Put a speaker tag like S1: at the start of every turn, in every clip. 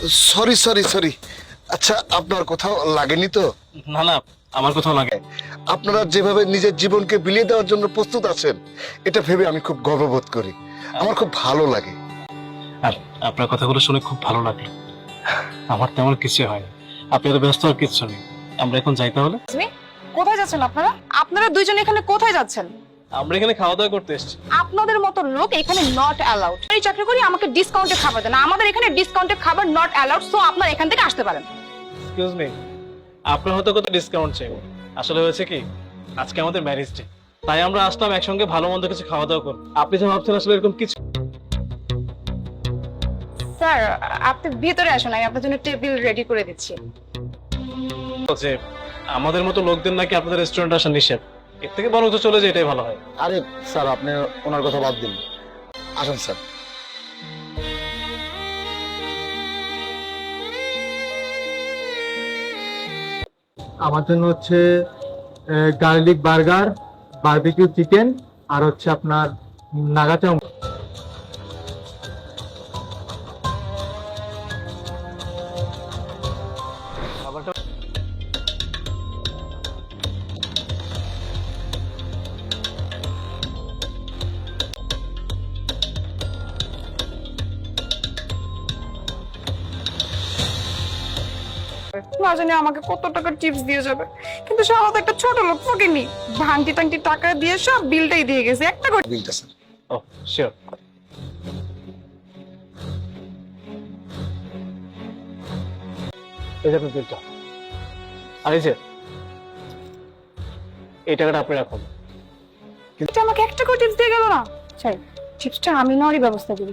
S1: Sorry sorry sorry. আচ্ছা, আপনার কোথাও লাগেনি তো?
S2: না না, আমার কোথাও লাগে।
S1: আপনারা যেভাবে নিজের জীবনকে বিলিয়ে দেওয়ার জন্য প্রস্তুত আছেন, এটা ভেবে আমি খুব গর্ববোধ করি। আমার খুব ভালো লাগে।
S2: আর আপনার কথাগুলো শুনে খুব ভালো লাগলো। আমার তেমন কিছু হয়নি, আপনি এত ব্যস্ত আর কিছু নেই। আমরা এখন যাই তাহলে।
S3: কোথায় যাচ্ছেন আপনারা? আপনারা দুইজন এখানে কোথায় যাচ্ছেন?
S2: আমরা এখানে খাওয়া দাওয়া করতে এসেছি।
S3: আপনাদের মতো লোক এখানে নট অ্যালাউড। এই চাকরি করি আমাকে ডিসকাউন্টে খাবার দেন, আমাদের এখানে ডিসকাউন্টে খাবার নট অ্যালাউড। সো আপনারা এখান থেকে আসতে পারেন।
S2: এক্সকিউজ মি, আপনার হয়তো কত ডিসকাউন্ট চাই। আসলে হয়েছে কি, আজকে আমাদের ম্যারেজ ডে, তাই আমরা আসলাম একসঙ্গে ভালো মন্দ কিছু খাওয়া দাওয়া করব। আপনি যা ভাবছেন আসলে এরকম কিছু।
S3: স্যার, আপনি ভিতরে আসুন, আমি আপনার জন্য টেবিল রেডি করে দিচ্ছি।
S2: যে আমাদের মতো লোকদের নাকি আপনাদের রেস্টুরেন্টে আসা নিষেধ, এর থেকে বরং তো চলে যায়, এটাই ভালো হয়।
S1: আরে স্যার, আপনি ওনার কথা বাদ দিন, আসুন স্যার।
S4: আমার জন্য হচ্ছে গার্লিক বার্গার, বারবিকিউ চিকেন, আর হচ্ছে আপনার নাগা চাউ।
S3: না জানি আমাকে কত টাকা টিপস দিয়ে যাবে, কিন্তু সারা তো একটা ছোট লোক ফকিনি, ভাঙতি টাংটি টাকা দিয়ে সব বিলটাই দিয়ে গেছে একটা করে।
S1: বিলটা স্যার।
S2: ও শিওর। এই যে আপনার বিলটা, আর এই যে এই টাকাটা আপনি রাখুন।
S3: কিন্তু আমাকে একটা করে টিপস দিয়ে গেল না। স্যার, টিপসটা আমি নেওয়ারই ব্যবস্থা করি।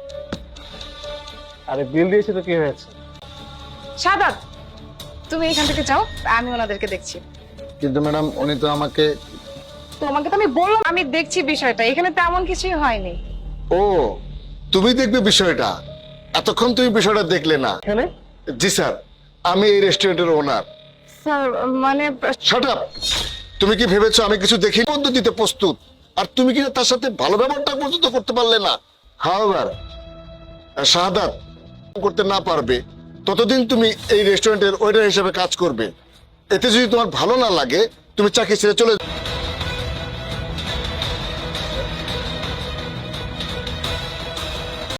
S2: আরে বিল দিয়েছে তো কি হয়েছে?
S3: সাদাত, তুমি এখান থেকে যাও, আমি ওনাদেরকে দেখছি।
S1: কিন্তু ম্যাডাম, উনি তো আমাকে।
S3: তোমাকে তো আমি বললাম আমি দেখছি বিষয়টা, এখানে তেমন কিছুই হয়নি।
S1: ও, তুমি দেখবে বিষয়টা? এতক্ষণ তুমি বিষয়টা দেখলে না?
S2: এখানে
S1: জি স্যার, আমি এই রেস্টুরেন্টের ওনার।
S3: স্যার মানে
S1: শাট আপ! তুমি কি ভেবেছো আমি কিছু দেখি পদ্ধতিতে প্রস্তুত, আর তুমি কি তার সাথে ভালো ব্যবহারটা পর্যন্ত করতে পারলে না? হাওয়ার শাহাদাত করতে না পারবে ততদিন তুমি এই রেস্টুরেন্টের ওয়েটার হিসেবে কাজ করবে। এতে যদি তোমার ভালো না লাগে, তুমি চাকরি ছেড়ে চলে